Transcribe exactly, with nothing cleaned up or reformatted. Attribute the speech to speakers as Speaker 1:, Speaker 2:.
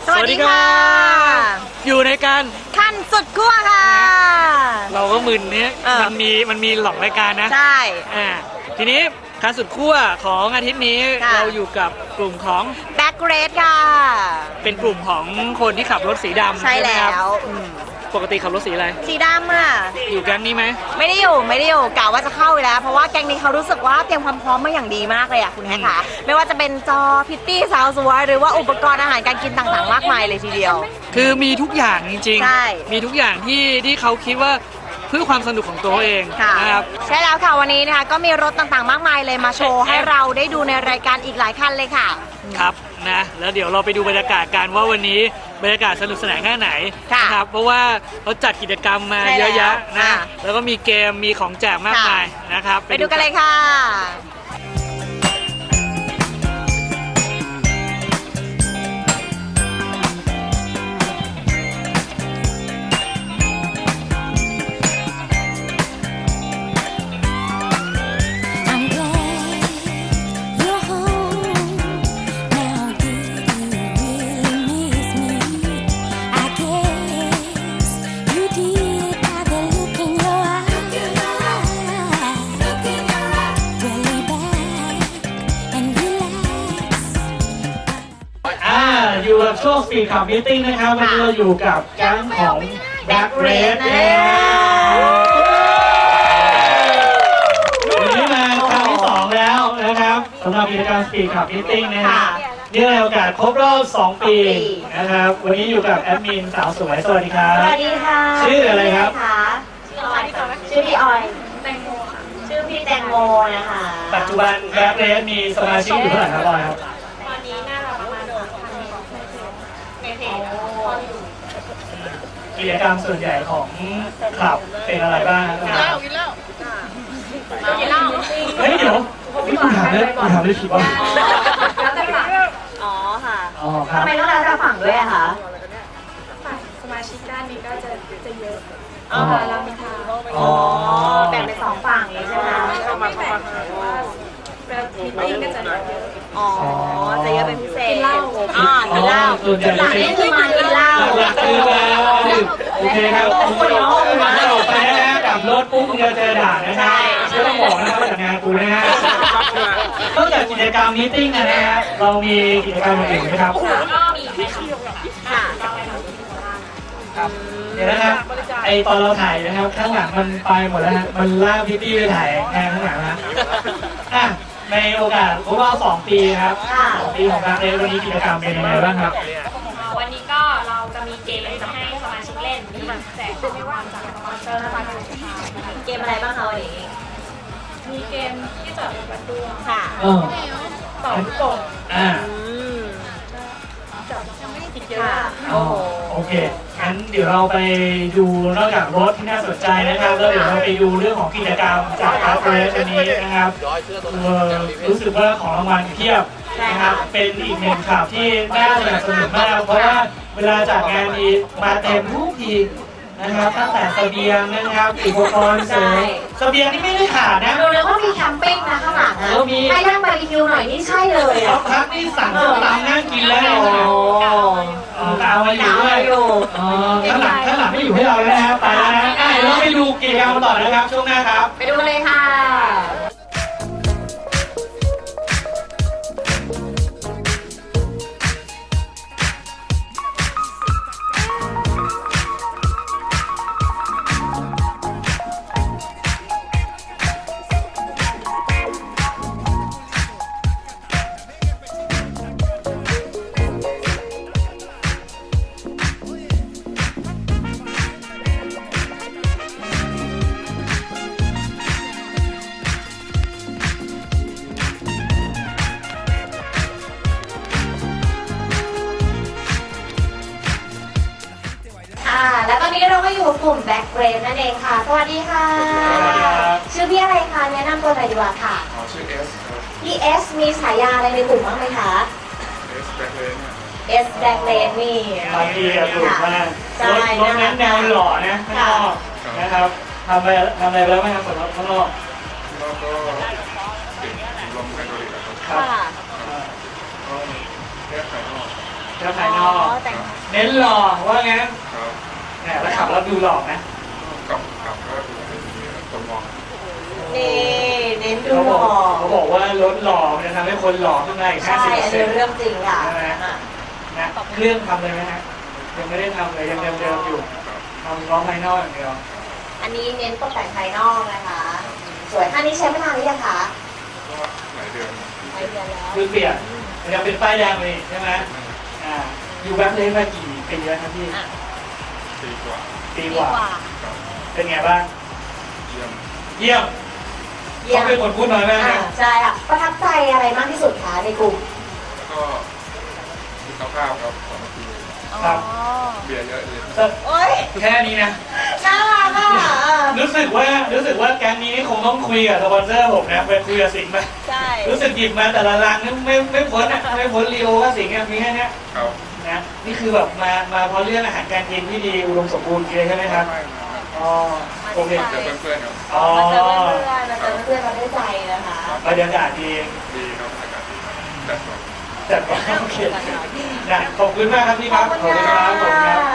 Speaker 1: สวัสดีค่ะ
Speaker 2: อยู่ในการ
Speaker 1: ขั้นสุดขั้วค่ะ
Speaker 2: เราก็มึนเนี้ยมันมีมันมีหลอกรายการนะ
Speaker 1: ใช่
Speaker 2: อ่าทีนี้ขั้นสุดขั้วของอาทิตย์นี้เราอยู่กับกลุ่มของ
Speaker 1: Back Red ค่ะ
Speaker 2: เป็นกลุ่มของคนที่ขับรถสีดำ
Speaker 1: ใช่แล้ว
Speaker 2: ปกติขับรถสีอะไร
Speaker 1: สีดำอ่ะ
Speaker 2: อยู่แก๊งนี้ไหม
Speaker 1: ไม่ได้อยู่ไม่ได้อยู่กะว่าจะเข้าไปแล้วเพราะว่าแก๊งนี้เขารู้สึกว่าเตรียมความพร้อมมาอย่างดีมากเลยอ่ะคุณแฮกค่ะไม่ว่าจะเป็นจอพิตตี้สาวสวยหรือว่าอุปกรณ์อาหารการกินต่างๆมากมายเลยทีเดียว
Speaker 2: คือมีทุกอย่างจริงๆมีทุกอย่างที่ที่เขาคิดว่าเพื่อความสนุกของตัวเองนะครับ
Speaker 1: ใช่แล้วค่ะวันนี้นะคะก็มีรถต่างๆมากมายเลยมาโชว์ให้เราได้ดูในรายการอีกหลายคันเลยค่ะ
Speaker 2: ครับนะแล้วเดี๋ยวเราไปดูบรรยากาศกันว่าวันนี้บรรยากาศสนุกสนานแค่ไหนนะครับเพราะว่าเขาจัดกิจกรรมมาเยอะแยะนะแล้วก็มีเกมมีของแจกมากมายนะครับ
Speaker 1: ไปดูกันเลยค่ะ
Speaker 2: อยู่กับช่วงสปีดขับมิทติ้งนะครับวันนี้เราอยู่กับแก๊งของ Back Red วันนี้มาครั้งที่สองแล้วนะครับสำหรับกิจกรรมสปีดขับมิทติ้งนะครับเนื่องในโอกาสครบรอบสองปีนะครับวันนี้อยู่กับแอดมินสาวสวยสวัสดีครับ
Speaker 1: สวัสดีค่ะ
Speaker 2: ชื่ออะไรครับ
Speaker 1: ชื่อพี่ออยแตงโมค่ะชื่อพี่แตงโมนะคะ
Speaker 2: ปัจจุบัน Back Red มีสมาชิกอยู่เท่าไหร่ครับออยครับ
Speaker 1: ตอนนี้น่าจะประมาณ
Speaker 2: กิจกรรมส่วนใหญ่ของคลับเป็นอะไรบ้างกินเหล้ากินเหล้ากินเหล้าเฮ้ยเดี๋ยวนี่คุณถามได้คุณถามได้ผิดป่ะ
Speaker 1: แล้วแต่ฝั่งอ๋อค่ะอ๋อครับทำไมต้องแล้วแต่ฝั่งด้วยอะคะ
Speaker 3: ฝั่งสมาชิกด้านนี้ก็จะจะเยอะ
Speaker 1: อ๋อเรามีทางอ๋อแบ่งเป็นสองฝั่งเลยใช่ไหม
Speaker 3: ก็ไม่แบ่งแต่ว่าแบบมิทติ้งก็จะเยอะ
Speaker 1: อ๋อจะเยอะเป็นพิเศษ
Speaker 3: กินเหล้า
Speaker 1: อ๋อกินเหล้าหลังนี่คือมากินเหล้า
Speaker 2: หลักคือมาโอเคครับคุณน้องมาออกไปนะกับรถปุ๊บมึงจะเจอด่านนะฮะไม่ต้องบอกนะครับจากงานกูนะฮะนอกจากกิจกรรมมิทติ้งนะฮะเรามีกิจกรรมอื่นไหมครับ
Speaker 1: ก็มีค่ะ
Speaker 2: ครับเดี๋ยวนะครับไอตอนเราถ่ายนะครับข้างหลังมันไปหมดแล้วฮะมันลากพี่ตี้ไปถ่ายแทนข้างหลังนะอ่ะในโอกาสครบรอบสองปีครับสองปีของการเล่นวันนี้กิจกรรมเป็นยังไงบ้างครับ
Speaker 3: วันนี้ก็เราจะมีเกมจะให้สมาชิกเล่นมีแจกของรางวัลจากสปอนเซอร์และบริษัท
Speaker 1: เกมอะไรบ้างคะวันนี้
Speaker 3: มีเกมที่จับประตู
Speaker 1: ค่ะ
Speaker 3: ต่อลูกโป่ง
Speaker 2: อ่า
Speaker 3: จับยังไม่ได้ติดเยอะ
Speaker 2: อ๋อโอเคงั้นเดี๋ยวเราไปดูนอกจากรถที่น่าสนใจนะครับแล้วเดี๋ยวเราไปดูเรื่องของกิจกรรมจากคาเฟ่วันนี้นะครับรู้สึกว่าของรางวัลเพียบนะครับเป็นอีกหนึ่งข่าวที่น่าสนุกมากเพราะว่าเวลาจัดงานนี้มาเต็มทุกทีนะครับตั้งแต่เสบียงนะครับอุปกรณ์เสริมเสบียงนี่ไม่ได้ขาดนะ
Speaker 1: ดูเลยว่ามีแคมปิ้งนะข้างหลังนะให้นั่งบาร์บีคิวหน่อยนี่ใช่เลย
Speaker 2: อ่ะพักนี่สั่งส้มตำนั่งกินแล้วอ๋อตามาอยู่ด้วยอ๋อข้างหลังข้างหลังไม่อยู่ให้เราแล้วนะไปแล้วนะเดี๋ยวเราไปดูกิจกรรมต่อนะครับช่วงหน้าครับ
Speaker 1: ไปดูเลยค่ะแล้วตอนนี้เราก็อยู่กลุ่ม Back Red นั่นเองค่ะสวัสดีค่ะชื่อพี่อะไรคะแนะนำตัวหน่อยดีกว่าค่ะ
Speaker 4: ชื่อเอส
Speaker 1: พี่เอสมีฉายาอะไรในกลุ่มบ้างไหมคะ
Speaker 4: เอสแบ็คเลน
Speaker 1: เอสแบ็คเลนนี่
Speaker 2: บางทีอะถูกมากรถรถนั้นแนวหล่อนะข้างนอกนะครับทำไปทำอะไรไปแล้วไหมครับสำหรับข้างนอก
Speaker 4: แล้วก็ติดลมไฮดรอลิกครับ
Speaker 1: ค่ะ
Speaker 4: ก็แค่ภายนอก
Speaker 2: แค่ภายนอก
Speaker 1: แต่ง
Speaker 2: เน้นหล่อว่างั้น
Speaker 4: ครับ
Speaker 2: แหมแล้วขับแล้วดูหล่อนะ
Speaker 4: กับกับก็ดูเป็นคนมอง
Speaker 1: นี่เน้นดู
Speaker 2: เขา
Speaker 1: ห
Speaker 2: บ
Speaker 1: ล่
Speaker 2: อก
Speaker 1: อ
Speaker 2: เขาบอกว่ารถหล่อมันจะทำให้คนหล่อขึ้นมาอีกห้า
Speaker 1: ใช่
Speaker 2: สิบเปอ
Speaker 1: อั
Speaker 2: ร์
Speaker 1: น
Speaker 2: เซ็
Speaker 1: นี้
Speaker 2: นต์
Speaker 1: เรื่องจริงค่ะ
Speaker 2: ใช่ไหม
Speaker 1: อ่ะ
Speaker 2: นะเครื่องทำเลยไหมฮะยังไม่ได้ทำเลยยังเดิมๆอยู่ทำเฉพาะภายนอกอย่างเดียว
Speaker 1: อันนี้เน้นตกแต่งภายนอกนะคะ สวยอันนี้ใช้มานานหรือยังคะ
Speaker 4: ก็หลายเดือน
Speaker 1: หลายเดือนแล้ว
Speaker 2: คือเปลี่ยนมันยังเป็นป้ายแดงเลยใช่ไหมอ่าอยู่แบ็คเลนมากี่ปีแล้วครับพี่
Speaker 1: อ่ะ
Speaker 4: ปีกว่า
Speaker 2: ปี
Speaker 1: ดี
Speaker 2: กว่า
Speaker 1: กว่า
Speaker 4: ครับ
Speaker 2: เป็นไงบ้าง
Speaker 4: เยี่ยม
Speaker 2: เยี่ยม
Speaker 1: เยี่ย
Speaker 2: เขา
Speaker 1: ม
Speaker 2: เป็นคนพูดน้อยมาก
Speaker 1: อ่ะ
Speaker 2: นะ
Speaker 1: ใช่ค่ะ ประทับใจอะไรมากที่สุดคะในกลุ่ม
Speaker 4: แล้วก็มีข้าวข้าวครับสองนาที
Speaker 2: ครับ
Speaker 4: เบียร์เยอะเลย
Speaker 2: แต่
Speaker 1: โอ๊ย
Speaker 2: แค่นี้นะ
Speaker 1: น่ารักอ่ะ
Speaker 2: รู้สึกว่ารู้สึกว่าแก๊งนี้คงต้องคุยกับสปอนเซอร์ผมนะไปคุยกับสิงห์ไป
Speaker 1: ใช่
Speaker 2: รู้สึกหยิบมาแต่ละรังนี่ไม่ไม่พ้นอ่ะไม่พ้นรีโอก็สิงห์อ่ะมีแค่เนี้ย
Speaker 4: ครับ
Speaker 2: นะนี่คือแบบมามาเพราะเรื่องอาหารการกินที่ดีอุดมสมบูรณ์เลยใช่ไหมครับ
Speaker 4: ไม่ไม่
Speaker 2: อ๋อโอเค
Speaker 4: เจอเพื่อนๆครับ
Speaker 2: อ๋อ
Speaker 1: มาเจอเพื่อนๆมาเจอเพื่อนๆมาด้วยใจนะคะ
Speaker 2: บรรยากาศดี
Speaker 4: ดีครับอากาศดีครับแต่สวย
Speaker 2: จัดว่าโอเคนะขอบคุณมากครับพี่ครับขอบคุณครับขอบคุณครับ